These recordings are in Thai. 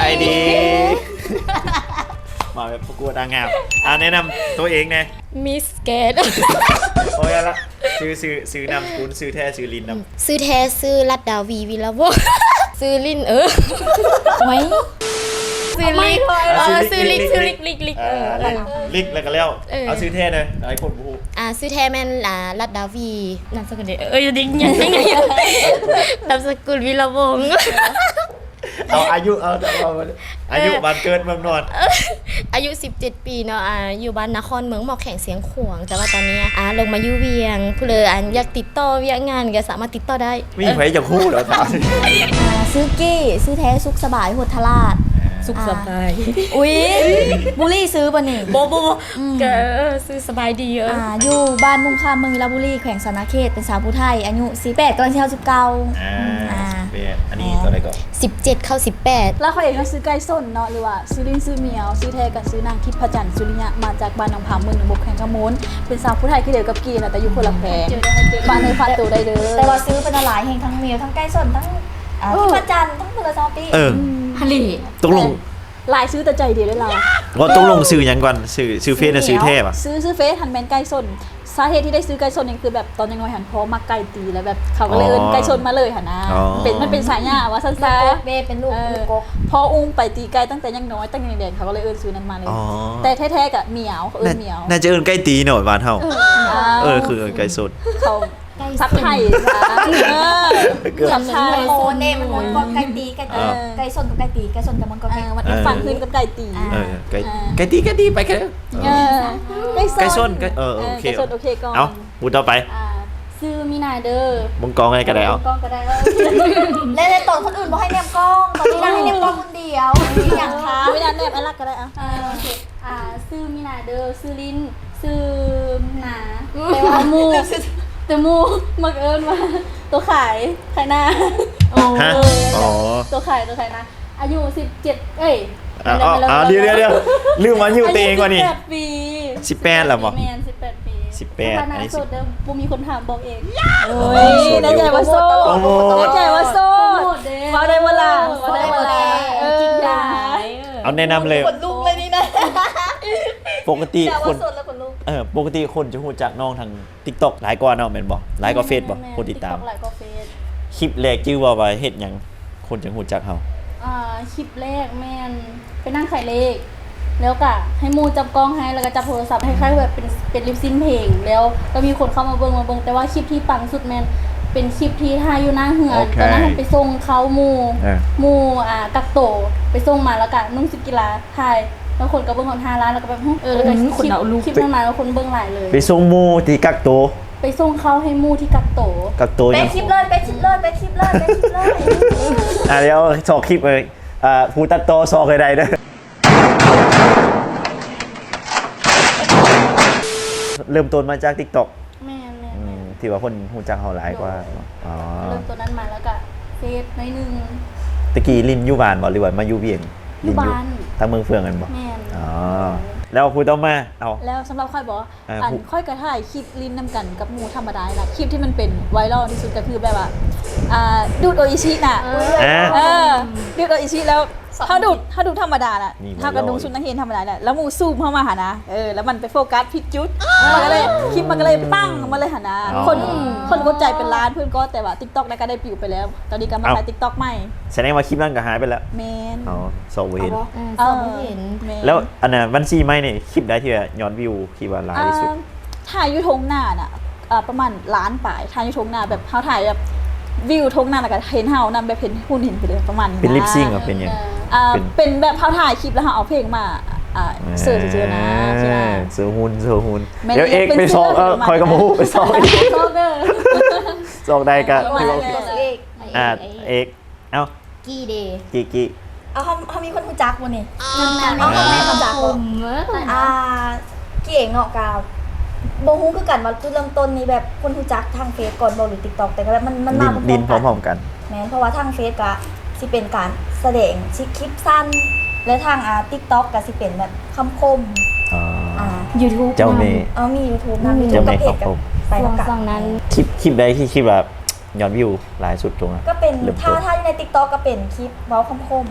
ายดีมาแบบประกวดนางงามแนะนำตัวเองนะมิสแกนโอ้ยละซื้อนำคุณซื้อแท้ซื้อลินนำซื้อแท้ซื้อรัดดาวีวิลาโวซื้อลินไหมซื้อลิกซื้อลิกลิกลิกแล้วก็แล้วเอาซื้อแท้เลยไอ้คนบูซื้อแท้แม่นรัดดาวีนามสกุลเด้ดิ้งยังไงนามสกุลวิลาวงเอาอายุอายุบ้านเกิดเมืองนอนอายุ17ปีเนาะอยู่บ้านนครเมืองหมอกแข่งเสียงขวงแต่ว่าตอนนี้ลงมาอยู่เวียงผู้เลยอยากติดต่อเวียงงานก็สามารถติดต่อได้มีใครจะคู่เหรอถามซื้อกี้ซื้อแท้สุขสบายโหดทลาดสุขสบายอุ้ยบุรีซื้อป่ะนี่โบก็ซื้อสบายดีอยู่บ้านมุงคามเมืองวิลาบุรีแขวงสานาเขตเป็นสาวผู้ไทยอายุ18กำลังจะเข้าอันนี้ตัวอะไรก่อน 17เข้า18 แล้วเขาเองก็ซื้อไก่ส้นเนาะหรือว่าซื้อลิ้นซื้อเมียวซื้อแท้กับซื้อนางทิพจันทร์สุริยะมาจากบ้านหนองผาเมืองหนองบกแข่งขมูลเป็นสาวผู้ไทยที่เดียวกับกีนะแต่อยู่คนละแขวงบ้านในฟาตูได้เลยแต่ว่าซื้อเป็นหลายแห่งทั้งเมียวทั้งไก่ส้นทั้งทิพจันทร์ทั้งเมืองซอปี้ฮัลโหลตกลงลายซื้อแต่ใจเดียวได้เราว่าต้องลงซื้อยังก่อนซื้อเฟซซื้อเทพซื้อเฟซหันแมนไก่ส้นสาเหตุที่ได้ซื้อไก่ชนนี่คือแบบตอนยังน้อยหันพอมาไก่ตีแล้วแบบเขาก็เลยเอิ้นไก่ชนมาเลยหันนะมันเป็นสายหญ้าว่าสั้นๆเป็นลูกกกพออุ้มไปตีไก่ตั้งแต่ยังน้อยตั้งแต่เด็กเขาก็เลยเอิ้นซื้อนั้นมาเลยแต่แท้ๆกับเหมียวเขาเอิ้นเหมียวน่าจะเอิ้นไก่ตีหน่อยบ้านเฮาคือไก่สดเขาซับไทยซับไทยโมเน่มันก็ไก่ตีไก่ชนกับไก่ตีไก่ชนกับมันก็มันฟังขึ้นกับไก่ตีไก่ตีไปกันไก่ชนโอเคก่อนเอาพูดต่อไปซื้อมีนาเด้อมึงกองอะไรก็ได้เอากองก็ได้และในตอนคนอื่นบอกให้แนมกล้องตอนนี้ได้ให้แนมกล้องคนเดียวอย่างคะไม่ได้แนมอะไรก็ได้ซื้อมีนาเด้อซื้อลิ้นซื้อหนาแต่ว่ามูแต่มูมักเอิญว่าตัวขายหน้าตัวขายนะอายุ17เอ้ยเดี๋ยวลืมมาอยู่ตัวเองว่ะนี่ 18ปี 18แล้วบ่แม่น18ปี 18 อันนี้โสดเด้อบ่มีคนถามบอกเองโอ้ยได้ใจว่าโสดได้ใจว่าโสดบ่ได้เวลาจริงจังเอาแนะนำเลยคนลุกเลยนี่นะปกติคนจะฮู้จักน้องทาง TikTok หลายกว่าเนาะแม่นบ่หลายกว่าเฟซบ่คนติดตามคลิปแรกชื่อว่าเฮ็ดหยังคนจะฮู้จักเฮาคลิปแรกแม่นไปนั่งขายเลขแล้วก็ให้มูจับกล้องให้แล้วก็จับโทรศัพท์ให้คล้ายแบบเป็นลิปซินเพลงแล้วก็มีคนเข้ามาเบิ่งแต่ว่าคลิปที่ปังสุดแม่นเป็นคลิปที่ถ่ายอยู่หน้าเฮือนตอนนั้นไปส่งเขามูกักโตไปส่งมาแล้วก็นุ่งชุดกีฬาถ่ายแล้วคนก็เบิ่งคน5ล้านแล้วก็แบบแล้วก็คลิปนั้นมาแล้วคนเบิ่งหลายเลยไปส่งมูที่กักโตไปส่งเขาให้มูที่กักโตไปคลิปเลยเดี๋ยวสอกคลิปเลยผู้ตัดโตสอกใดๆเด้อเริ่มต้นมาจาก TikTok แม่ที่ว่าคนฮู้จักเฮาหลายกว่าเริ่มต้นนั้นมาแล้วก็เฟซหน่อยนึงตะกี้ลินอยู่บ้านบ่หรือว่ามาอยู่เวียงอยู่บ้านทางเมืองเฟืองกันบ่แม่นแล้วพูดต่อมาเอาแล้วสำหรับค่อยบอกค่อยกระถ่ายคลิปลิ้นนำกันกับหมูธรรมดาล่ะคลิปที่มันเป็นไวรัลที่สุดก็คือแบบว่าดูดโออิชิน่ะดูดโออิชิแล้วถ้าดูธรรมดาน่ะถ้ากับดูชุดนักเรียนธรรมดาน่ะแล้วหมูซูมเข้ามาหานะแล้วมันไปโฟกัสผิดจุดมันก็เลยคลิปมันก็เลยปั้งมาเลยหานะคนกดใจเป็นล้านเพื่อนก็แต่ว่า TikTok ได้ก็ได้ปิวไปแล้วตอนนี้ก็มาถ่าย TikTok ใหม่แสดงว่าคลิปนั้นก็หายไปแล้วแมนสอบเห็นแล้วอันน่ะวันซีไม่เนี่ยคลิปได้ที่ย้อนวิวคิดว่าหลายที่สุดถ่ายอยู่ทงหน้าน่ะประมาณล้านปลายถ่ายอยู่ทงหน้าแบบเขาถ่ายแบบวิวทงหน้าแล้วก็เห็นเฮานำแบบเห็นหุ่นเห็นไปเลยประมาณนี้เป็นลิปซิงก์เป็นยังเป็นแบบเขาถ่ายคลิปแล้วเขาเอาเพลงมาเสิร์ชเจอนะเสือหุ่นเดี๋ยวเอกไปซอกคอยกระมูไปซอกซอกได้กันเอกเอากี่เดย์กี่เขามีคนรู้จักวันนี้น้องแม่รู้จักกี่เองเนาะกาวโบฮู้คือกันว่าจุดเริ่มต้นนี้แบบคนรู้จักทางเฟซก่อนบ่หรือ TikTok แต่ก็แบบมันมาพร้อมๆกันแม่นเพราะว่าทางเฟซก็สิเป็นการแสดงคลิปสั้นและทาง TikTok ก็สิเป็นแบบคำคม YouTube เจ้าเมย์มี YouTube นะเจ้าเมย์คำคมไปฝั่งนั้นคลิปใดที่คลิปแบบย้อนวิวหลายสุดตรงนั้นก็เป็นถ้าใน TikTok ก็เป็นคลิปเว้าคำคม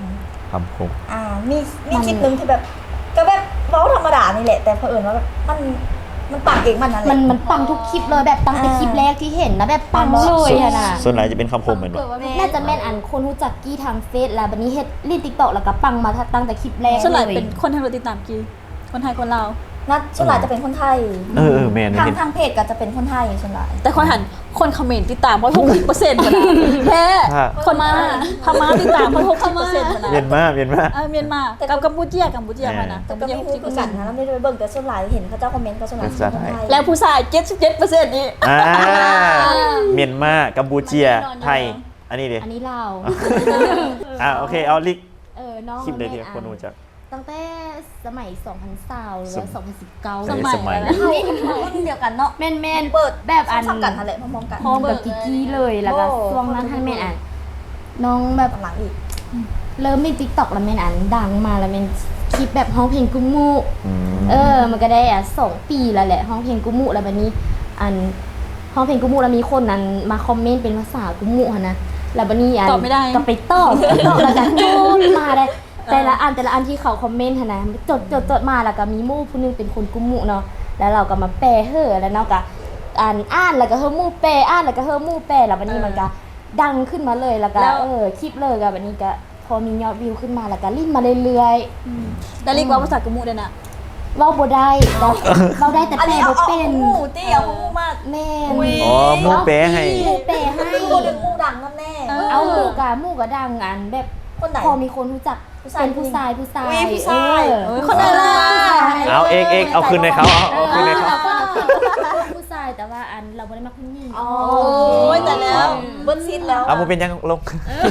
คำคมมีคลิปหนึงที่แบบก็แบบเว้าธรรมดานี่แหละแต่เผอิญว่าแบบมันปังเองมันนั่นแหละมันปังทุกคลิปเลยแบบปังแต่คลิปแรกที่เห็นนะแบบปังเลยอะนะส่วนไหนจะเป็นคำคมเหมือนบ่น่าจะแม่นอันคนรู้จักกี้ทางเฟซแล้วบัดนี้เฮ็ดรีด TikTok แล้วก็ปังมาตั้งแต่คลิปแรกส่วนใหญ่เลยเป็นคนไทยเราติดตามกี่คนไทยคนลาวนัดส่วนหลายจะเป็นคนไทยแม่นทางเห็นทางเพจก็จะเป็นคนไทยส่วนหลายแต่คนหันคนคอมเมนต์ติดตามเพราะ60%นะแค่คนมาพม่าติดตามเพราะ60%นะเมียนมาเมียนมาเมียนมากับกัมพูเจียมานะแต่ก็ไม่พูดกันนะแล้วไม่ได้ไปเบิ่งแต่ส่วนหลายเห็นเขาเจ้าคอมเมนต์ก็ส่วนหลายเป็นคนไทยแล้วผู้ชาย77%นี่เมียนมากัมพูเชียไทยอันนี้ดิอันนี้เราโอเคเอาลิกน้องคลิปเลยที่คนรู้จักตั้งแต่สมัย2020หรือว่า2019 สมัยรุ่นเดียวกันเนาะแม่นๆเปิดแบบอันซ้ำกันนั่นแหละพร้อมๆกันพร้อมกับกิกกี้เลยแล้วก็ช่วงนั้นท่านแม่นอันน้องแบบหลังอีกเริ่มมี TikTok แล้วแม่นอันดังมาแล้วแม่นคลิปแบบฮ้องเพลงกุมู มันก็ได้2 ปีแล้วแหละฮ้องเพลงกุมูแล้วบัดนี้อันฮ้องเพลงกุมูแล้วมีคนนั้นมาคอมเมนต์เป็นภาษากุมูหั่นนะแล้วบัดนี้อันตอบไม่ได้ก็ไปตอบแล้วก็จูนมาได้แต่ละอันที่เขาคอมเมนต์หั่นนะจดมาแล้วก็มีหมู่ผู้หนึงเป็นคนกุมูเนาะแล้วเราก็มาแปลแล้วเนาะก็อ่านแล้วก็เฮาหมู่แปลอ่านแล้วก็เฮาหมู่แปลแล้วบัดนี้มันก็ดังขึ้นมาเลยแล้วก็คลิปเลยก็บัดนี้ก็พอมียอดวิวขึ้นมาแล้วก็ลิ้นมาเรื่อยๆแต่เรียกว่าภาษากะมุได้นะเว้าบ่ได้เราได้แต่อันแปลนี้บ่เอาเป็นหมูตี้เอาหมูมากแม่นอ๋อหมู่แปลให้หมู่แปลให้คนหนึ่งหมูดังนั่นแน่เอาหมู่กะดังอันแบบคนไหนพอมีคนรู้จักผู้ชายเป็นผู้ชายอุ๊ยผู้ชายคนไหนล่ะเอาเอกเอาคืนในเขาเอาคืนในเขาผู้ชายแต่ว่าอันเราบ่ได้มาคุณหญิงโอ้ยแต่แล้วเบิ้ลซิดแล้วเอามาเป็นยังลง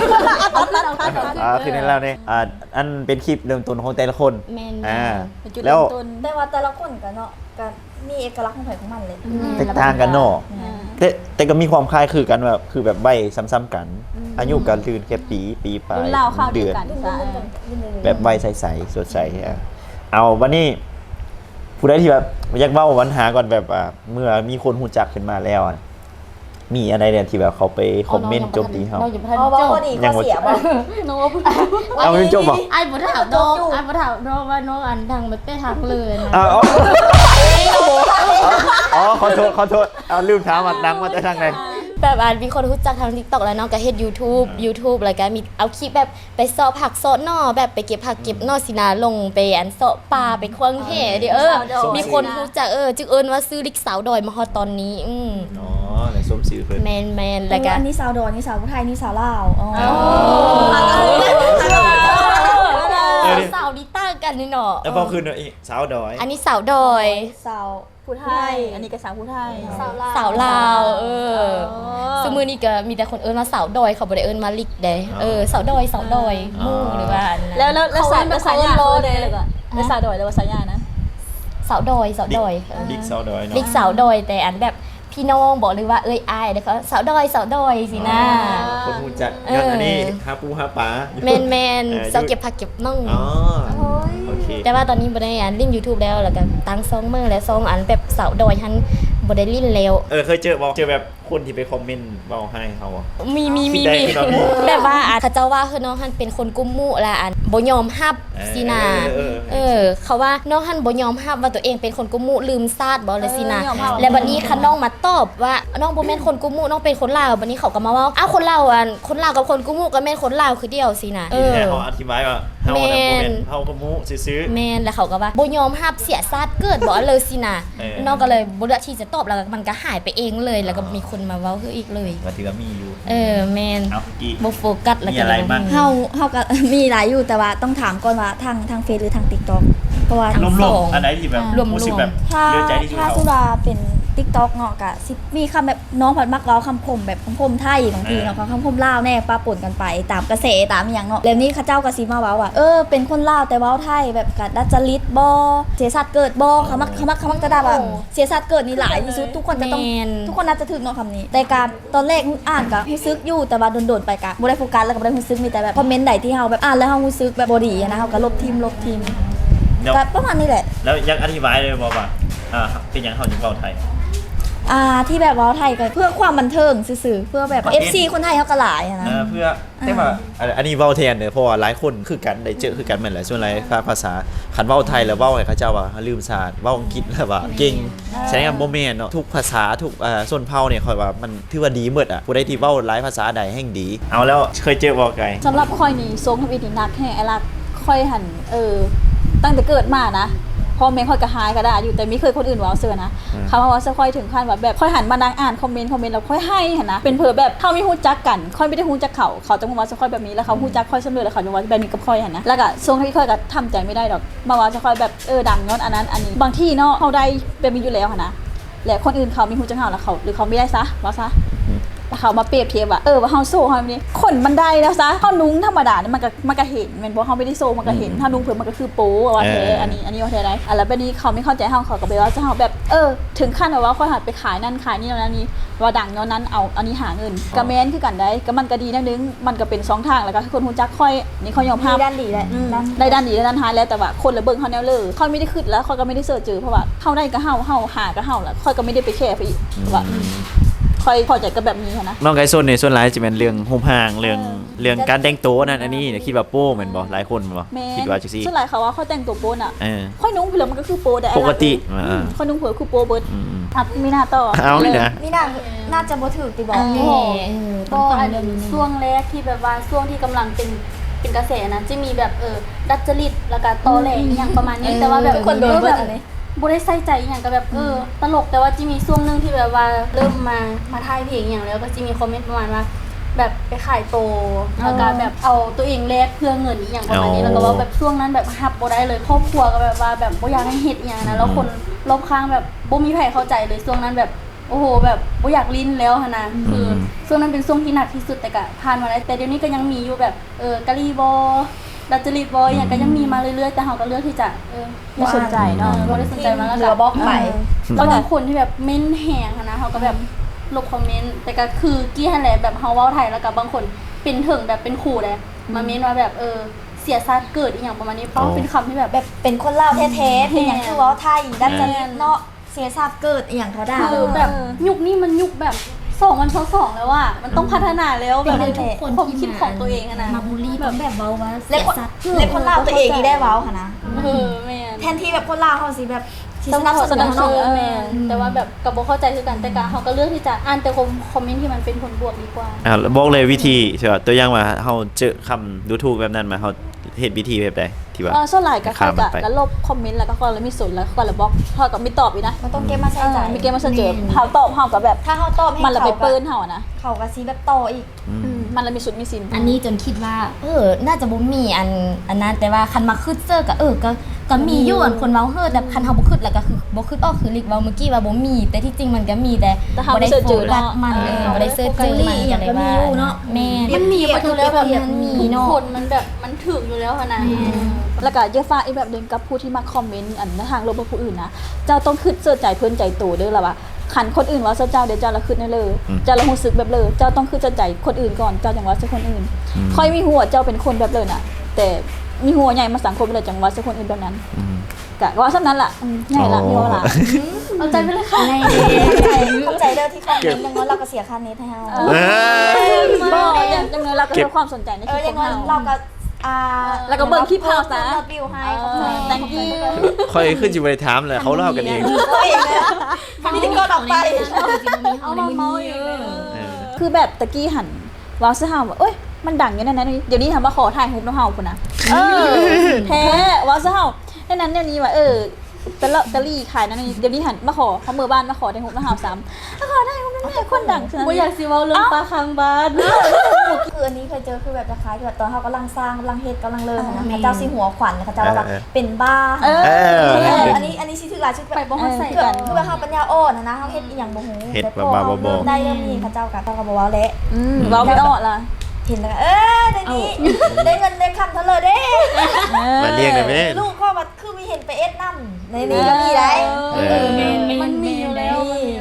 คืนในเราเนี่ยอันเป็นคลิปเริ่มต้นของแต่ละคนแม่นเป็นจุดแล้เริ่วมต้นแต่ว่าแต่ละคนกันเนาะกันมีเอกลักษณ์ของใครของมันเลยแตกต่างกันเนาะแต่ก็มีความคล้ายคือกันแบบคือแบบใบซ้ำๆกัน อายุการตื่นแค่ปีปลายรุ่นราวข้าวเดีเดืยวอนกันแบบใบใสๆสดใสเอาวันนี้ผู้ใดที่แบบอยากเว้าวันหาก่อนแบบเมื่อมีคนหูจักขึ้นมาแล้วมีอะไรเนี่ยที่แบบเขาไปคอมเมนต์โจมตีเขาเราอยู่พันเพราะว่าจบข้อดีข้อเสียบ่โน้ตเอาไม่จบเหรอไอ้บ่ถามน้องไอ้บ่ถามน้องว่าน้องอันดังแบบไปทางเลยนะขอโทษเอาลืมถามว่าดังมาจากทางไหนแบบมีคนรู้จักทาง TikTok แล้วเนาะก็เฮ็ด YouTube แล้วก็มีเอาคลิปแบบไปเสาะผักเสาะหน่อแบบไปเก็บผักเก็บหน่อสินาลงไปเสาะปลาไปควงแห่ดิมีคนรู้จักจึงเอิ้นว่าซื้อลิกสาวดอยมาฮอดตอนนี้อ๋อในส้มสีเพิ่นแมนแล้วก็อันนี้สาวดอนนี่สาวผู้ไทยนี่สาวลาวอ๋อสาวนี่ต่างกันนี่เนาะแล้วพอคืนเนาะสาวดอยอันนี้สาวดอยสาวผู้ไทย อันนี้ก็สาวผู้ไทยสาวลาวซึ่งมื้อนี้ก็มีแต่คนเอิ้นว่าสาวดอยเขาบ่ได้เอิ้นมาลิกเด้สาวดอยหมู่หรือว่าอันนั้นแล้วสายยาเลยก่อนแล้วสาวดอยแล้วสายยานะสาวดอยลิกสาวดอยเนาะลิกสาวดอยแต่อันแบบพี่น้องบอกเลยว่าเอ้ยอายเด้อเขาสาวดอยสินะคนหูจักย้อนอันนี้หาปูหาปลาแมนสาวเก็บผักเก็บน่องอ๋อโอเคแต่ว่าตอนนี้บ่ได้อันเล่น YouTube แล้วแล้วก็ตั้งซองมือและซองอันแบบสาวดอยหันบ่ได้เล่นแล้วเคยเจอแบบคนที่ไปคอมเมนต์เบาให้เขาอ่ะมีคิดได้คือเรามีแบบว่าเขาเจ้าว่าคือน้องหันเป็นคนกุมมุและอันบ่ยอมรับสินะเขาว่าน้องหันบ่ยอมรับว่าตัวเองเป็นคนกุมมุลืมซาดบ่เลยสินะและบัดนี้คันน้องมาตอบว่าน้องบ่แม่นคนกุมมุน้องเป็นคนลาวบัดนี้เขาก็มาว่าอ้าวคนลาวกับคนกุมมุก็แม่นคนลาวคือเดียวสินะแต่เขาอธิบายว่าเฮาน่ะบ่แม่นเฮากระมูซื้อแม่นแล้วเขาก็ว่าบ่ยอมรับเสียซาดเกิดบ่เลยสินะน้องก็เลยบ่เลือกที่จะตอบแล้วมันก็หายไปเองเลยแล้วก็มีคนมาเว้าคืออีกเลยว่าถือว่ามีอยู่แมนเอากี่บ่โฟกัสแล้วมีก็อะไรบ้างเฮาก็มีหลายอยู่แต่ว่าต้องถามก่อนว่าทางเฟซหรือทาง TikTok เพราะว่าทั้งรสวอมงๆอันไหนที่แบบรวมๆรู้สึกแบบถ้าเลือใจที่สุดถ้าเขาสุราเป็น TikTok เนาะก็สิมีคำแบบน้องผัดมักเว้าคำคมแบบคำคมไทยบางทีเนาะคำคมลาวแน่ปะปนกันไปตามกระแสตามอหย่างเนาะแล้วนี้เขาเจ้าก็สิมาเว้าว่าเป็นคนลาวแต่เว้าไทยแบบกัดดัจจริตบ่เสียสัตว์เกิดบ่เขามักจะด่าว่าเสียสัตว์เกิดนี่หลายที่สุดทุกคนจะต้องแม่นทุกคนน่าจะถึงเนาะคำนี้แต่การตอนแรกอ่านก็รู้สึกอยู่แต่ว่าโดนๆไปก็บ่ได้โฟกัสแล้วก็บ่ได้รู้สึกมีแต่แบบคอมเมนต์ใดที่เฮาแบบอ่านแล้วเฮารู้สึกแบบบ่ดีอะนะเฮาก็ลบทิมเดี๋ยวก็ประมาณนี้แหละแล้วยังอธิบายเลยบอกว่าเป็นอย่างเขาจึงเบาไทยที่แบบเว้าไทยก็เพื่อความบันเทิงซื่อๆเพื่อแบบ FC คนไทยเขาก็หลายอะนะเพื่อแต่ว่าอันนี้เว้าแทนเด้อเพราะว่าหลายคนคือกันได้เจอคือกันแม่นแหละส่วนหลายภาษาคันเว้าไทยแล้วเว้าให้เขาเจ้าว่าลืมศาสตร์เว้าอังกฤษแล้วว่าเก่งแสดงว่าบ่แม่นเนาะทุกภาษาทุกส่วนเผ่าเนี่ยค่อยว่ามันถือว่าดีหมดอ่ะผู้ใดที่เว้าหลายภาษาใดแห่งดีเอาแล้วเคยเจอบ่ไกลสำหรับค่อยนี่ทรงทวีตนี่หนักแห่ไอ้ลักค่อยหันตั้งแต่เกิดมานะพ่อแม่ค่อยก็หายก็ได้อยู่แต่ไม่เคยคนอื่นเว้าเสือนะคำว่าเว้าเสือค่อยถึงขั้นแบบค่อยหันมานั่งอ่านคอมเมนต์แล้วค่อยให้หันนะเป็นเผื่อแบบเขาไม่ฮู้จักกันค่อยไม่ได้ฮู้จักเขาจะมาเว้าเสือค่อยแบบนี้แล้วเขาฮู้จักค่อยเสมอแล้วเขาจะเว้าแบบนี้กับค่อยหันนะแล้วก็ทรงที่ค่อยก็ทำใจไม่ได้ดอกมาเว้าเสือค่อยแบบดังย้อนอันนั้นอันนี้บางที่เนาะเขาได้แบบนี้อยู่แล้วหันนะและคนอื่นเขาไม่ฮู้จักเขาแล้วเขาหรือเขาไม่ได้ซะว่าซะแล้วเขามาเปรียบเทียบว่าว่าเฮาโซ่เฮานี่คนมันได้แล้วซะเฮานุ้งธรรมดานี่มันก็เห็นแม่นบ่เฮาไม่ได้โซ่มันก็เห็นถ้านุ้งเพิ่นมันก็คือโป๊ว่าแท้อันนี้ว่าแท้ได้แล้วบัดนี้เขาไม่เข้าใจเฮาเขาก็ไปว่าจะเฮาแบบถึงขั้นว่าค่อยหัดไปขายนั่นขายนี่แล้วนี่ว่าดังเนาะนั้นเอาอันนี้หาเงินก็แม่นคือกันได้ก็มันก็ดีแนวนึงมันก็เป็น2ทางแล้วก็คนฮู้จักค่อยนี่เขายอมรับด้านดีแหละได้ด้านดีและด้านท้ายแล้วแต่ว่าคนละเบิ่งเฮาแนวเลยค่อยไม่ได้คิดแล้วค่อยก็ไม่ได้เสิร์ชเจอเพราะว่าเฮาได้ก็เฮาหาก็เฮาแล้วค่อยก็ไม่ได้ไปแคร์ไปอีกว่าค่อยพอใจกับแบบนี้นะน้องไกโซนในส่วนหลายจะเป็นเรื่องโฮมห่างเรื่องการแต่งตัวนั่นอันนี้เนี่ยคิดว่าโป้แม่นบ่หลายคนแม่นบ่คิดว่าจังซี่ส่วนหลายเขาว่าเขาแต่งตัวโป๊น่ะค่อยนุ่งเผื่อมันก็คือโป๊ได้ปกติค่อยนุ่งเผื่อคือโป๊เบิดมีหน้าต่อเอาเลยนะนี่น่าจะบ่ถูกติบอกก็อันช่วงแรกที่แบบว่าช่วงที่กำลังเป็นกระแสนะจะมีแบบดัดจริตแล้วก็ตอแหลอย่างประมาณนี้แต่ว่าแบบคนโดนเบิดอะไรบ่ได้ใส่ใจอย่างก็แบบตลกแต่ว่าจะมีช่วงนึงที่แบบว่าเริ่มมาถ่ายเพลงอย่างแล้วก็จะมีคอมเมนต์ประมาณว่าแบบไปขายโตแล้วก็แบบเอาตัวเองแลกเพื่อเงินอีอย่างประมาณนี้แล้วก็ว่าแบบช่วงนั้นแบบฮับบ่ได้เลยครอบครัวก็แบบว่าแบบบ่อยากให้เฮ็ดอย่างนะแล้วคนรอบข้างแบบบ่มีใครเข้าใจเลยช่วงนั้นแบบโอ้โหแบบบ่อยากลิ้นแล้วหั่นนะคือช่วงนั้นเป็นช่วงที่หนักที่สุดแต่ก็ผ่านมาแล้วแต่เดี๋ยวนี้ก็ยังมีอยู่แบบกะลีบอดัจจริตบอยอย่างก็ยังมีมาเรื่อยๆแต่เราก็เลือกที่จะไม่สนใจเนาะไม่ได้สนใจมาแล้วก็บล็อกไปแล้วบางคนที่แบบเม้นแหงนะเขาก็แบบลบคอมเมนต์แต่ก็คือกี้ฮันแหละแบบเฮาเว้าไทยแล้วก็บางคนเป็นถึงแบบเป็นขู่เลยมาเม้นว่าแบบเสียชาติเกิดอีหยังประมาณนี้เพราะเป็นคำที่แบบเป็นคนลาวแท้ๆเป็นอย่างคือเว้าไทยดัจจริตเนาะเสียชาติเกิดอีหยังเขาได้คือแบบยุคนี้มันยุคแบบ2022แล้วอ่ะมันต้องพัฒนาแล้วแบบทุกคนความคิดของตัวเองนะมาบูลลี่แบบเว้าว่าเล็กคนลาวตัวเองนี่ได้เว้าค่ะนะแม่แทนที่แบบคนลาวเขาสิแบบสนับสนุนแม่แต่ว่าแบบกับบ่เข้าใจคือกันแต่กะเขาก็เลือกที่จะอ่านแต่คอมเมนต์ที่มันเป็นผลบวกดีกว่าบอกเลยวิธีใช่ป่ะตัวอย่างว่าเฮาเจอคำดูถูกแบบนั้นมาเฮาเฮ็ดวิธีแบบใดที่ว่าส่วนหลายก็เขาก็ลบคอมเมนต์แล้วก็คนละมีสนแล้วก็ละบล็อกเขาก็ไม่ตอบอีกนะมันต้องเก็บมาใส่ใจมีเก็บมาใส่ใจเฮาตอบเฮาก็แบบถ้าเฮาตอบมันละไปเปิ้นเฮานะเขาก็สิแบบต่ออีกมันละมีสุดมีสินอันนี้จนคิดว่าน่าจะบ่มีอันนั้นแต่ว่าคันมาคึดเซอร์ก็มีอยู่อันคนเว้าแต่คันเฮาบ่คึดแล้วก็คือบ่คึดออกคือลิกเว้าเมื่อกี้ว่าบ่มีแต่ที่จริงมันก็มีแต่บ่ได้เจอมันบ่ได้เสิร์ชเจอมันอย่างก็มีอยู่เนาะแม่มันมีอยู่แล้วแบบมันมีเนาะคนมันแบบมันถึงอยู่แล้วหั่นน่ะแล้วก็อย่าฝากอีกแบบนึงกับผู้ที่มาคอมเมนต์อันในทางลบกับผู้อื่นนะเจ้าต้องคิดเสิร์ชใจเพิ่นใจโตเด้อล่ะว่าคันคนอื่นว่าเจ้าเดี๋ยวเจ้าละคิดได้เลยเจ้าละรู้สึกแบบเลยเจ้าต้องคิดใจคนอื่นก่อนเจ้าจังว่าสักคนอื่นค่อยมีหัวเจ้าเป็นคนแบบเลยน่ะแต่มีหัวใหญ่มาสังคมเลยจังว่าสักคนอื่นแบบนั้นกะว่าซั่นนั้นล่ะใหญ่ละมีว่าล่ะเอาใจไปเลยค่ะเข้าใจเด้อที่คอมเมนต์อย่างน้อยเราก็เสียค่าเน็ตให้เฮาบ่อย่างน้อยเราก็ให้ความสนใจในคลิปของเฮาเราก็แล้วก็เบิ่งคลิปเฮาซะบิวให้ thank you ค่อยขึ้นสิบ่ได้ถามเลยเขาเล่ากันเองนี่ก็ออกไปเอามาเมาอยู่คือแบบตะกี้หันว้าวซะเฮาว่าเอ้ยมันดังอย่างนั้นเดี๋ยวนี้ทำมาขอถ่ายรูปน้องเฮาพุ่นน่ะแท้ว้าวซะเฮาดังนั้นเดี๋ยวนี้ว่าตะลี่ขายนั่นเดี๋ยวนี้หันมาขอเขามือบ้านมาขอได้รูปน้องเฮาซ้ำขอได้รูปนั่นแหละคนดังบ่อยากสิเว้าเรื่องปลาคังบ้านคืออันนี้เคยเจอคือแบบจะคล้ายแบบตอนเฮากำลังสร้างกำลังเฮ็ดกำลังเริ่มนะพระเจ้าสิหัวขวัญพระเจ้าว่าเป็นบ้าอันนี้สิถือหลายชุดไปบ่ฮู้ใส่กันคือว่าเฮาปัญญาอ่อนนะเฮาเฮ็ดอีหยังบ่ฮู้เฮ็ดบ้าบ่ได้เริ่มมีพระเจ้าก็บ่เว้าแล้วเว้าไม่ออกล่ะเห็นแล้วเดี๋ยวนี้ได้เงินได้คำเท่าเลยเด้มาเรียกได้แม่ลูกข้อมาคือมีเห็นไปเอ็ดนำในนี้ก็มีได้มันมีอยู่แล้ว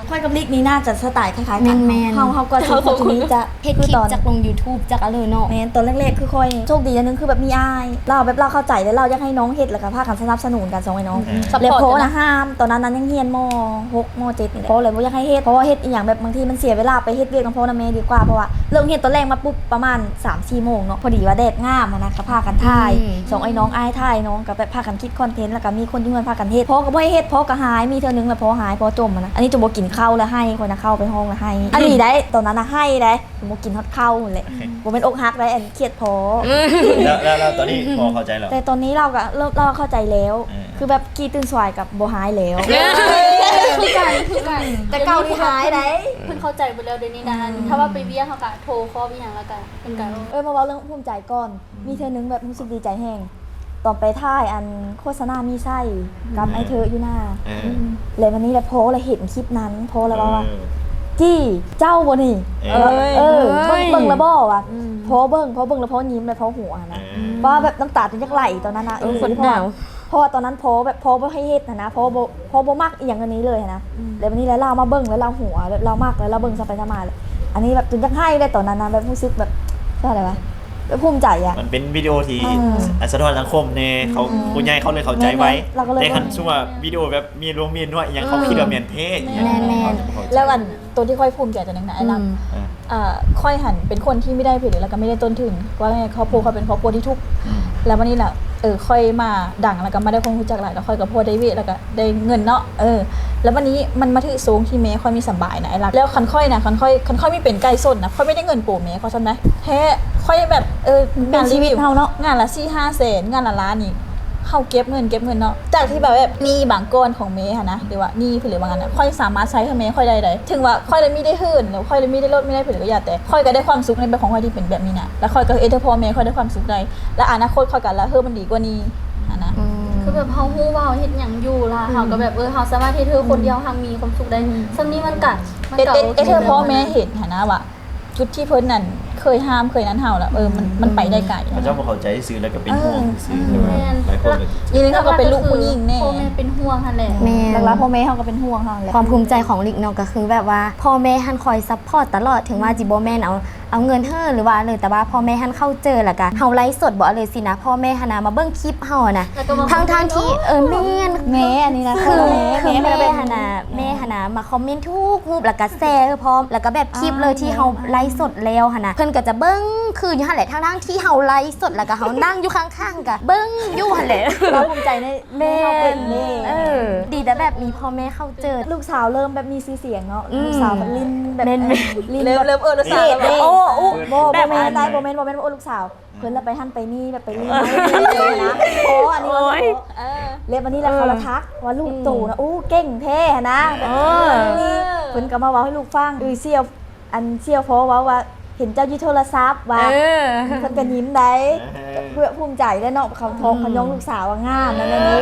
ค่อยกับลิกนี่น่าจะสไตล์คล้ายๆกันแม่นๆเฮาก็สิคนนี้จะเฮ็ดคลิปจากลง YouTube จากอะไรเนาะแม่นตอนแรกๆคือค่อยโชคดีอันนึงคือแบบมีอายเราแบบเราเข้าใจแล้วเราอยากให้น้องเฮ็ดแล้วก็พากันสนับสนุนกันสองไอ้น้องซัพแล้วพอร์ตโพกันนะห้ามตอนนั้นยังเรียนม6ม7นี่แหละโพเลยบ่อยากให้เฮ็ดเพราะว่าเฮ็ดอีหยังแบบบางทีมันเสียเวลาไปเฮ็ดเวียกกับพ่อนะแม่ดีกว่าเพราะว่าเริ่มเฮ็ดตอนแรกมาปุ๊บประมาณ 3-4 โมงเนาะพอดีว่าแดดงามอะนะก็พากันถ่ายสองไอ้น้องอายถ่ายน้องก็แบบพากันคิดคอนเทนต์แล้วก็มีคนที่เงินพากันเฮ็ดพ่อก็บ่ให้เฮ็ดพ่อก็หายมีเทื่อนึงแล้วพ่อหายพ่อจมอะนะอันนี้จะบ่กินข้าวแล้วให้คนน่ะเข้าไปห้องแล้วให้อันนี้ได้ตอนนั้นน่ะให้ได้บ่กินฮอดข้าวนั่นแหละบ่เป็นอกหักได้อันเครียดพอแล้วตอนนี้พอเข้าใจแล้วแต่ตอนนี้เราก็เริ่มเราเข้าใจแล้ว คือแบบกีตื่นสวายกับโบหายแล้วคือกันแต่เก่าที่หายได้เพิ่นเข้าใจไปแล้วเดี๋ยวนี้นะถ้าว่าไปเวียเขาก็โทรคอลอีหยังแล้วก็เพิ่นก็มาเว้าเรื่องภูมิใจก่อน มีเธอนึงแบบรู้สึกดีใจแห้งตอนไปท่ายอันโฆษณามีไส้กับไอเธออยู่หน้าเลยวันนี้แหละโพสเลยเห็นคลิปนั้นโพสแล้วว่าจี้เจ้าบ่นี่เบิ่งแล้วบ่ว่ะโพสเบิ่งแล้วโพสยิ้มเลยโพสหัวนะว่าแบบน้ำตาจนจักไหลตอนนั้นนะเพราะว่าตอนนั้นโพสแบบโพสบ่ให้เฮ็ดนะโพสบ่มักอีหยังอันนี้เลยนะแล้ววันนี้แล้วเรามาเบิ่งแล้วเราหัวแล้วเรามักแล้วเราเบิ่งซะไปซะมาเลยอันนี้แบบจนจักให้เลยตอนนั้นนะแบบรู้สึกแบบอะไรวะภูมิใจอ่ะมันเป็นวิดีโอที่สะท้อนสังคมเนี่ยเขาคุณยายเขาเลยเข้าใจไว้แต่คันช่วงวิดีโอแบบมีรวมมีนวดอย่างเขาคิดว่าเมียนเท่แล้วอันตัวที่ค่อยภูมิใจจากนั้นนะไอ้ลำค่อยหันเป็นคนที่ไม่ได้ผลิตแล้วก็ไม่ได้ต้นทุนว่าไงครอบครัวเขาเป็นครอบครัวที่ทุกข์แล้ววันนี้แหละค่อยมาดังแล้วก็มาได้คนรู้จักหลายแล้วค่อยกับพ่อได้เวทแล้วก็ได้เงินเนาะแล้ววันนี้มันมาถึงสูงที่เมย์ค่อยมีสบายนะไอ้รักแล้วคันค่อยไม่เป็นไก่ส้นนะค่อยไม่ได้เงินโปรเมย์เขาใช่ไหมแท้ค่อยแบบเป็นชีวิตเฮาเนาะงานละ4-5 แสนงานละล้านนี่เขาเก็บเงินเนาะจากที่แบบนี่บางก้อนของเมย์ค่ะนะหรือว่านี่ผลิตบางอันนะค่อยสามารถใช้ให้เมย์ค่อยได้ถึงว่าค่อยเลยไม่ได้หื่นหรือค่อยเลยไม่ได้ลดไม่ได้ผลิตก็อย่าแต่ค่อยก็ได้ความสุขในแบบของค่อยที่เป็นแบบนี้นะแล้วค่อยก็พอเมย์ค่อยได้ความสุขได้และอนาคตค่อยกันแล้วมันดีกว่านี้นะคือแบบเฮาฮู้ว่าเฮ็ดหยังอยู่ล่ะเฮาก็แบบเฮาสามารถที่เธอคนเดียวทางมีความสุขได้ซำนี้มันก็เธอพ่อแม่เห็นนะว่าจุดที่เพิ่นนั่นเคยห้ามเคยนั้นเฮาแล้วมันไปได้ไกลพระเจ้าบ่เข้าใจซื้อแล้วก็เป็นห่วงซื้อหลายคนเลยอีนึงเขาก็เป็นลูกผู้หญิงแน่พ่อแม่เป็นห่วงหั่นแหละแม่หลักๆพ่อแม่เขาก็เป็นห่วงเขาแหละความภูมิใจของลิกเนาะก็คือแบบว่าพ่อแม่หันคอยซัพพอร์ตตลอดถึงว่าจิบ่แม่นเอาเงินเฮอหรือว่าเลยแต่ว่าพ่อแม่หันเข้าเจอแล้วก็เฮาไลฟ์สดบ่เลยสินะพ่อแม่หันมาเบิ่งคลิปเฮานะทั้งที่แม่อันนี้นะคือแม่หันมาคอมเมนต์ทุกรูปแล้วก็แชร์พร้อมแล้วก็แบบคลิปเลยที่เฮาไลฟ์สดแล้วหั่นน่ะเพิ่นก็จะเบิ่งคืออยู่หั่นแหละทั้งที่เฮาไลฟ์สดแล้วก็เฮานั่งอยู่ข้างๆก็เบิ่งอยู่หั่นแหละเราภูมิใจในแม่เขาเป็นนี่ดีแต่แบบมีพ่อแม่เข้าเจอลูกสาวเริ่มแบบมีชื่อเสียงเนาะลูกสาวแบบลิ้นแบบลิ้นเริ่มแล้วสาวโอ้โบแม่นได้โบแม่นโอ้ลูกสาวเพิ่นแล้วไปหั่นไปนี่แบบไปลิ้นนะโอ้อันนี้เล็บอันนี้แล้วเขาละทักว่าลูกตู่นะเก่งแท้นะนี่เพิ่นก็มาเว้าให้ลูกฟังเสี่ยวพอว่าเห็นเจ้าอยู่โทรศัพท์ว่าเพิ่นก็ยิ้มได้เพื่อภูมิใจได้เนาะเขาท้องเขายองลูกสาวว่างามนั่นนี่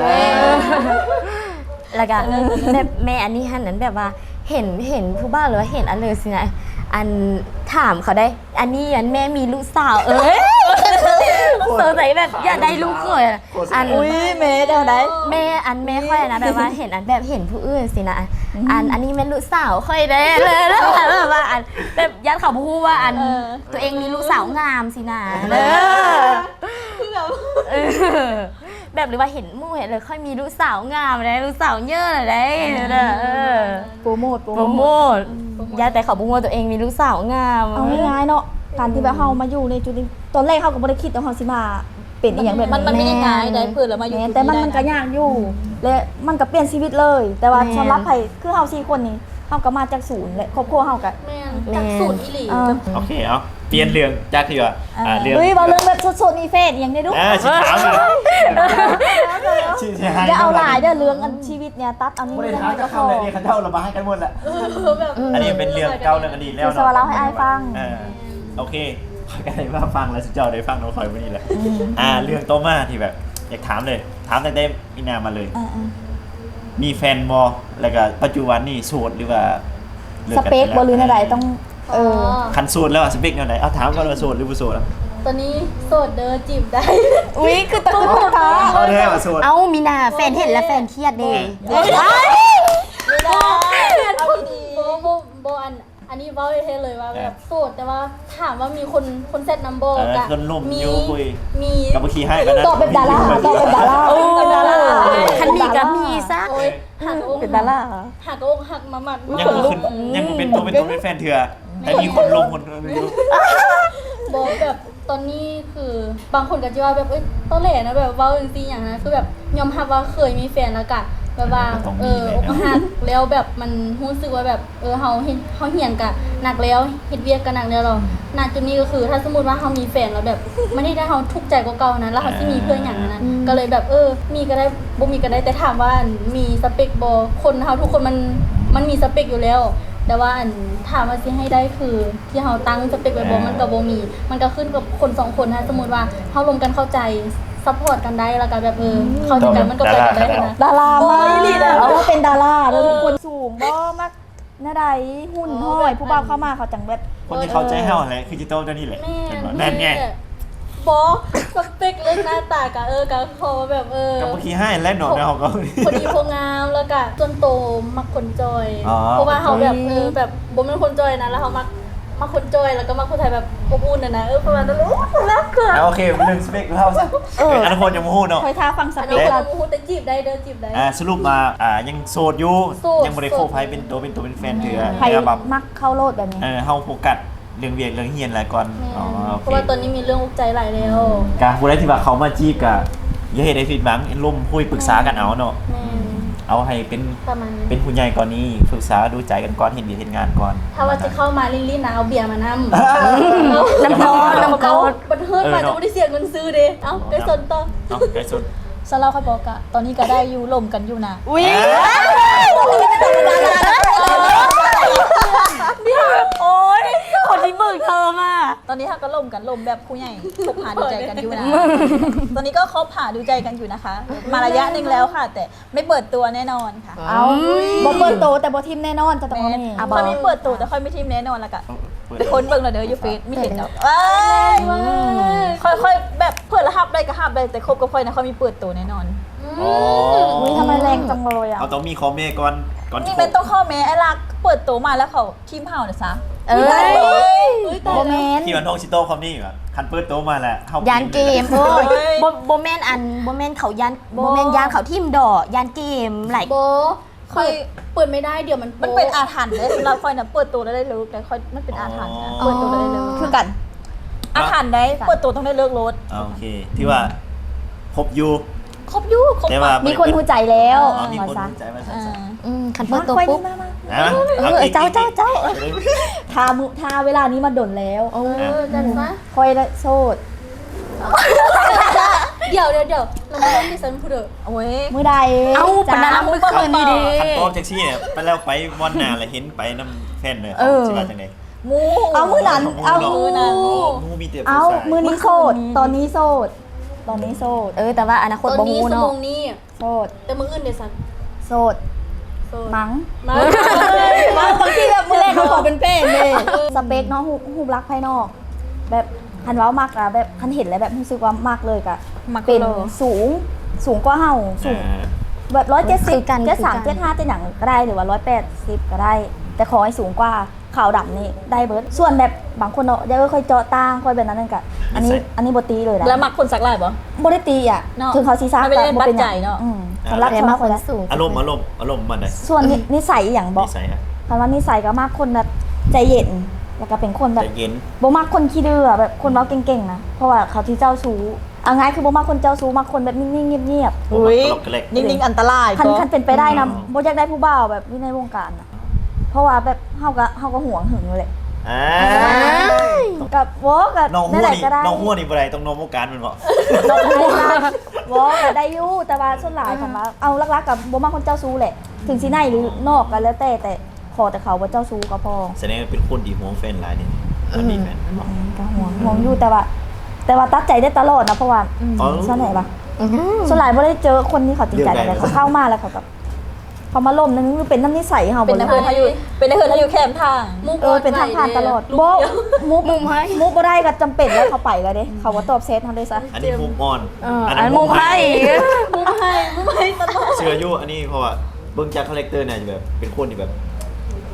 แล้วก็แบบแม่อันนี้หันนั้นแบบว่าเห็นผู้บ้าหรือว่าเห็นอันเลยสินะอันถามเขาได้อันนี้แม่มีลูกสาวสงสัยแบบอยากได้ลูกเคยอันแม่ได้ไหนแม่ค่อยนะแบบว่าเห็นอันแบบเห็นผู้อื่นสินะอันนี้แม่ลูกสาวค่อยได้เลยแล้วแบบว่าอันแบบยัดเขาพูดว่าอันตัวเองมีลูกสาวงามสินะแบบหรือว่าเห็นมู่เห็นเลยค่อยมีลูกสาวงามเลยลูกสาวเยอะเลยโปรโมทยาแต่เขาบุ้งว่าตัวเองมีลูกสาวงามเอาง่ายๆเนาะการที่แบบเฮามาอยู่ในจุดนี้ตอนแรกเฮาก็บ่ได้คิดว่าเฮาสิมาเป็นอีหยังแบบมันไม่ได้ง่ายได้เพิ่นแล้วมาอยู่แต่มันก็ยากอยู่และมันก็เปลี่ยนชีวิตเลยแต่ว่าสำหรับไผคือเฮา4คนนี้เฮาก็มาจากศูนย์และครอบครัวเฮาก็จากศูนย์อีหลีโอเคเอาเปลี่ยนเรื่องจากที่ว่าเรื่องเรื่องแบบสดๆนี่เฟซอย่างนี้ดูสิถามอย่าเอาหลายเด้อเรื่องชีวิตเนี่ยตัดเอานี้ไม่ได้ถามจะเข้าเลยนี่เขาเจ้าระบายกันหมดแหละอันนี้เป็นเรื่องเก่าเรื่องอดีตแล้วเนาะสวัสดีเราให้อายฟังโอเคขอกันเลยว่าฟังแล้วสุดยอดได้ฟังน้องคอยวันนี้แหละเรื่องโตมาที่แบบอยากถามเลยถามตั้งแต่มีนามาเลยมีแฟนบอแล้วก็ปัจจุบันนี่โสดหรือว่าสเปคบ่หรืออะไรต้องคันโสดแล้วสเปคแนวไหนเอาถามก่อนว่าโสดหรือบ่โสดตอนนี้โสดเด้อจีบได้คือตู้ท้อเอาได้ว่าโสดมีนาแฟนเห็นแล้วแฟนเครียดเด้ไม่ได้เอาดีอันนี้เว้าเท่ๆเลยว่าแบบโสดแต่ว่าถามว่ามีคนเซตนัมเบอร์กะคนหนุ่มอยู่คุยมีกับขี้ให้กันนะตอบเป็นดาราตอบเป็นดาราเป็นดาราคันมีก็มีซะโอ้ยหักอกเป็นดาราหักอกหักมาหมัดยังบ่ขึ้นยังบ่เป็นตัวเป็นแฟนเถื่อแต่มีคนลงคนไม่รู้บอกแบบตอนนี้คือบางคนก็จะว่าแบบตอนแรกนะแบบเว้าจริงๆอย่างนั้นคือแบบยอมรับว่าเคยมีแฟนแล้วกะแบบว่าอกหักแล้วแบบมันรู้สึกว่าแบบเฮาเหียนกะหนักแล้วเฮ็ดเวียกกะหนักแล้วเราณจุดนี้ก็คือถ้าสมมุติว่าเฮามีแฟนแล้วแบบไม่ได้เฮาทุกข์ใจกว่าเก่านะแล้วเฮาสิมีเพื่อนอย่างนั้นนะก็เลยแบบมีก็ได้บ่มีก็ได้แต่ถามว่ามีสเปคบ่คนเฮาทุกคนมันมีสเปคอยู่แล้ว แต่ว่าถามว่าสิให้ได้คือที่เฮาตั้งสเปคไว้บ่มันก็บ่มีมันก็ขึ้นกับคน2คนนะสมมุติว่าเฮาลงกันเข้าใจซัพพอร์ตกันได้แล้วก็แบบเข้าใจกันมันก็ไปกันได้นะดารามากโอ้ยดาราเอาว่าเป็นดาราแล้วทุกคนสูงบ่มักหน้าใดหุ่นห้อยผู้บ่าวเข้ามาเขาจังแบบคนที่เข้าใจเฮาแหละคือจิโต้เจ้านี่แหละแม่เห็นบ่นั่นไงบอสเปคเรื่องหน้าตากะกะคอแบบกับขี้ให้และหนอนเฮาก็พอดีพองามแล้วก็จนโตมักคนจอยอ๋อเพราะว่าเขาแบบแบบบ่เป็นคนจอยนะแล้วเขามักคนจอยแล้วก็มักคนไทยแบบอบอุ่นนะประมาณนั้นโอ้รักเกินโอเคเรื่องสเปคเฮาซะอันคนยังบ่ฮู้เนาะคอยท่าฟังสอันเปนี้คเราพูดแต่จีบได้จีบได้สรุปมายังโสดอยู่โสดยังบ่ได้โคไผเป็นตัวเป็นแฟนเถื่อใครแบบมักเข้าโลดแบบนี้เฮาโฟกัสเรื่องเวียกเรื่องเฮียนหลายก่อนอ๋อโอเพเคราะว่าตอนนี้มีเรื่องอุกใจหลายแล้วกะผู้ใดที่ว่าเขามาจีบกะอย่าเฮ็ดให้ผิดหวังร่วมคุยปรึกษากันเอาเนาะแม่เอาให้เป็นประมาณนี้เป็นผู้ใหญ่ก่อนนี้ปรึกษาดูใจกันก่อนเห็นดีเห็นงานก่อนถ้าว่าจะเข้ามาลิ้นๆนะเอาเบียร์มานำน้ำพอน้ำเกาเขาบันเทิงมาจะไม่ได้เสียเงินซื้อเด้เอ้าไปสนต่อเอาไกสุดสลาเขาบอกอะตอนนี้ก็ได้อยู่ลมกันอยู่นะอุ้ยโอ๊ยคนที่มึงเธอมาตอนนี้เขาก็ลมกันลมแบบผู้ใหญ่คบหาดูใจกันอยู่นะ ตอนนี้ก็คบหาดูใจกันอยู่นะคะ มาระยะหนึ่งแล้วค่ะ แต่ไม่เปิดตัวแน่นอนค่ะเอาบ่เปิดโตแต่บ่ทิมแน่นอนจะต้องแม่เอาแน่ค่อยไม่เปิดตัวแต่ค่อยไม่ทีมแน่นอนแล้วก็เปิดเป็นคนเบิ่งแล้วเด้ออยู่เฟซไม่เห็นดอกเอ้ยค่อยๆแบบเพื่อนละฮับได้ก็ฮับได้แต่คบกับค่อยนะค่อยมีเปิดตัวแน่นอนอ๋ออุ้ยทำไมแรงจังเลยอ่ะเอาต้องมีคอมเมก่อนนี่เป็นต้องข้อแม้ไอ้ลักเปิดตัวมาแล้วเขาทีมเฮาเนี่ยซะเอ้ยโบแมนที่มันน้องชิโต้คอมนี่อยู่อะคันเปิดโตมาแหละเข้ายานเกมโอ้ยโบแมนอันโบแมนเขายานโบแมนยานเขาทิมดอกยานเกมหลายโบค่อยเปิดไม่ได้เดี๋ยวมันเป็นอาถรรพ์เลยสำหรับค่อยนะเปิดตัวแล้วได้เลิกแต่ค่อยมันเป็นอาถรรพ์นะเปิดตัวแล้วได้เลิกคือกันอาถรรพ์ได้เปิดตัวต้องได้เลิกรถโอเค ที่ว่าคบอยู่ครบอยู่ครบแต่ว่ามีคนหูใจแล้วอ๋อมีมาคนซะสนใจมาอ่าสั่นคันเปิดตัวปุ๊บๆนะเจ้าทาเวลานี้มาดนแล้วจันซะคอยละโสดเดี๋ยวเรามาเล่นดิฉันพูดเถอะโอ้ยมื้อใดเอ้าปะนะมือคืนนี่ดิคันโต้แท็กซี่เนี่ยไปแล้วไปวันหน้าเลยเห็นไปน้ำแฟนเลยสิว่าจังได๋มูเอามื้อนั้นเอามื้อนั้นมูมีแต่เอาผู้ชายมื้อนี้โสดตอนนี้โสดตอนนี้โสดแต่ว่าอนาคตตอนบ่นี้ฮู้สเนาะมองนี้โสดแต่มืออื่นเดี๋ยวสันโสดมั้มั้งมาบางทีแบบมื้อแรกเขาขอเป็นเป้เลยสเปคเนาะรูปลักษณ์ภายนอก แบบคันเว้ามากอะแบบคันเห็นแล้วแบบรู้สึกว่ามากเลยกะเป็นสูงกว่าเฮาสูง แบบ170กัน73 75จะหนังก็ได้หรือว่า180ก็ได้ แต่ขอให้สูงกว่าขาวดำนี่ได้เบิร์ดส่วนแบบบางคนเนาะยังค่อยเจาะตาค่อยแบบนั้นนั่นกะอันนี้บ่ตีเลยนะแล้วมักคนสักลายบ่บ่ได้ตีอ่ะเนาะถึงเขาซีซ่าไม่ได้บ่เป็นหปัจจัยัยงเนาะสำหรับแต่สำหมารับคคนนละสูงอารมณ์มันได้ส่วนนิสัยอย่างบอกนิสัยฮะคำว่านิสัยก็มากคนแบบใจเย็นแล้วก็เป็นคนแบใจบเย็นบ่มักคนขี้ดื้ออะแบบคนเว้าเก่งๆนะเพราะว่าเขาที่เจ้าชู้เอาง่ายคือบ่มักคนเจ้าชู้มักคนแบบนิ่งๆเงียบๆอุ้ยตลกกระเล็กนิ่งๆอันตรายคันเป็นไปได้นะอ๋อโบอยากได้ผู้บ่าวแบบอยู่ในวงการนะเพราะว่าแบบเฮาก็ห่วงหึงเลย กับวอกับน้องหันั่วนแหละนี่ก็ได้น้องหัวนี่บ่ได้ต้องน้องวงการมันบ่น้องได้วอกับได้อยู่แต่ว่าส่วนหลายคันว่าเอาลักๆกับบ่มักคนเจ้าชู้แหละ ถึงสิในหรือนอกกันแล้วแต่ขอแต่เขาว่าเจ้าชู้ก็พอแสดงว่าเป็นคนที่ห่วงแฟนหลายนี่คนมีแฟนบ่ก็ห่วงอยู่แต่ว่าตัดใจได้ตลอดนะเพราะว่าส่วนไหนปะส่วนหลายบ่ได้เจอคนที่เขาจริงใจอะไรเขาเข้ามาแล้วเขาแบบเขามาล่มนึงเป็นน้ำนิสัยเขาเป็นนักเรียนลทายุเป็นนักเรียนทายุแคมทางเป็นทางผ่านตลอดโบมุกบ่ได้ก็จำเป็นแล้วเขาไปแล้วเด้เขาว่าตอบเซตทำได้ซะอันนี้มุมอ่อนอันมุมให้มุมให้ตลอดเชื่ออยู่อันนี้เพราะว่าเบิ่งจากคาแรคเตอร์เนี่ยจะแบบเป็นคนที่แบบ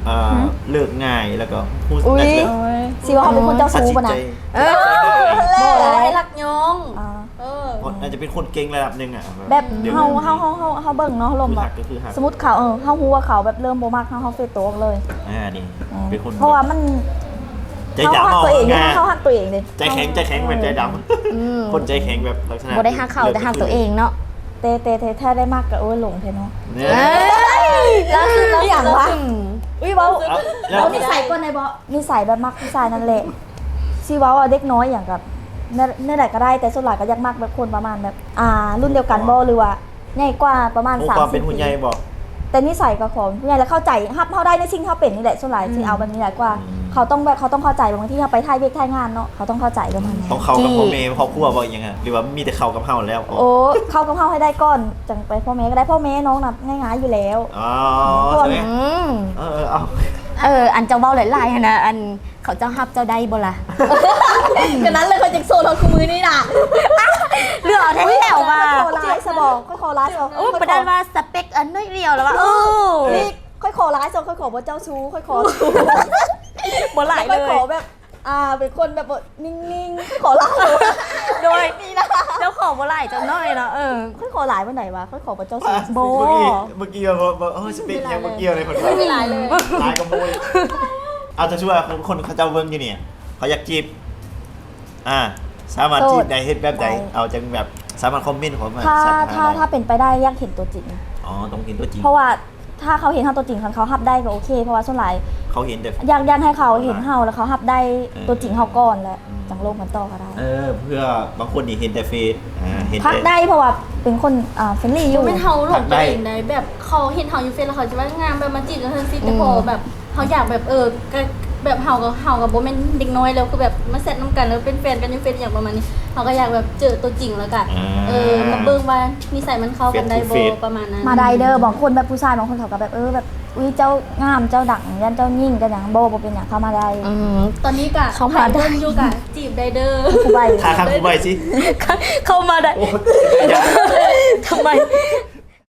เลิกง่ายแล้วก็พูดอุ๊ยแบบสิว่าเขาเป็นคนเจ้าตัดชู้สินป่ะใจนะบ่ได้รักยองอ่าอาจจะเป็นคนเก่งระดับหนึงอ่ะแบบดี๋ยวเฮาเบิ่งเนาะลมคือแบหับกก็คือหักสมมุติเขาเฮาฮู้ว่าเขาแบบเริ่มบ่มักเฮาเฟซตัวออกเลยนี่เป็นคนเพราะว่ามันใจเฮาดำหักตัวเองง่ายเฮาหักตัวเองดิใจแข็งแบบใจดำคนใจแข็งแบบลักษณะบ่ได้หักเขาแต่หักตัวเองเนาะเตถ้าได้มากก็โอ้ยหลงแท้เนาะเนี่ยแล้วคืออย่างวะ อุ้ยเว้าแล้วเอานิสัยก่อนในบ่นิสัยแบบมักผู้ชายนั่นแหละสิเว้าเด็กน้อยอย่างกับเนื้อใดก็ได้แต่ส่วนหลายก็อยักมักแบบคนประมาณแบบรุ่นเดียวกันบ่หรือว่าใหญ่กว่าประมาณความเป็น 30 หุ่นใหญ่บอกแต่นิสัยก็ของผู้ใหญ่แล้วเข้าใจฮับเฮาได้ในสิ่งที่เฮาเป็นนี่แหละส่วนหลายสิเอาแบบนี้แหละกว่า เขาต้องเข้าใจบางที่เฮาไปถ่ายเวกถ่ายงานเนาะเขาต้องเข้าใจประมาณนั้นต้องเข้ากับพ่อแม่ครอบครัวบอกยังไงหรือว่ามีแต่เข้ากับเฮาแล้วโอ้เข้ากับเฮาให้ได้ก่อนจังไปพ่อแม่ก็ได้พ่อแม่น้องน่ะง่ายๆอยู่แล้วอ๋อใช่ไหม เอาอันเจ้าเว้าหลายๆหั่นนะอันเขาเจ้าฮับเจ้าได้บ่ล่ะกันนั้นเลยเขาจังโซนเราคู่มือนี่น่ะเรื่องเอาแท้ๆว่าค่อยขอไลฟ์ซะบอกค่อยขอไลฟ์ซะโอ้ประดานว่าสเปคอันน้อยเดียวแล้วว่านี่ค่อยขอไลฟ์ซะค่อยขอบ่เจ้าชู้ค่อยขอบ่หลายค่เลอยขอย แบบเป็นคนแบบนิ่งๆค่อยขอไลฟ์โดยเจ้าของบ่หลายจังน้อยเนาะค่อยขอไลฟ์วันไหนวะค่อยขอบ่เจ้าชู้โบเมื่อกี้บอกสเปคยังเมื่อกี้อะไรคนไม่มีลายเลยลายกับโบยเอาจะช่วยคนเขาเจ้าเบิ้งอยู่เนี่ยเขาอยากจีบสามารถจีบได้เฮ็ดแบบใดเอาจังแบบสามารถคอมเมนต์ของมาถ้าเป็นไปได้อยากเห็นตัวจริงอ๋อต้องเห็นตัวจริงเพราะว่าถ้าเขาเห็นเฮาตัวจริงเขาฮับได้ก็โอเคเพราะว่าส่วนหลายเขาเห็นแต่อยากให้เขาเห็นเฮาแล้วเขาฮับได้ตัวจริงเฮาก่อนแล้วจังโลกมันต่อก็ได้เพื่อบางคนนี่เห็นแต่เฟซเห็นพักแต่ได้เพราะว่าเป็นคนเฟรนลี่อยู่ไม่เฮาหลงตัวเองได้แบบเขาเห็นเฮาอยู่เฟซแล้วเขาจะว่างามแบบมาจีบกันเฮาซิแต่พอแบบเขาอยากแบบก็แบบเฮากับโบแม่นเด็กน้อยแล้วคือแบบมาเซตน้ำกันแล้วเป็นแฟนกันอยู่เฟซอย่างประมาณนี้เขาก็อยากแบบเจอตัวจริงแล้วกันมาเบิ่งว่านิสัยมันเข้ากันได้บ่ประมาณนั้นมาไดเดอร์บางคนแบบผู้ชายบางคนเขาก็แบบแบบอุ้ยเจ้างามเจ้าดังยันเจ้ายิ่งกันอย่างโบเป็นอย่างเข้ามาได้ตอนนี้กะเขามาได้เบิ่งอยู่กะจีบได้เด้อผู้ใบขาข้างกูใบสิเข้ามาได้โอ้ทำไม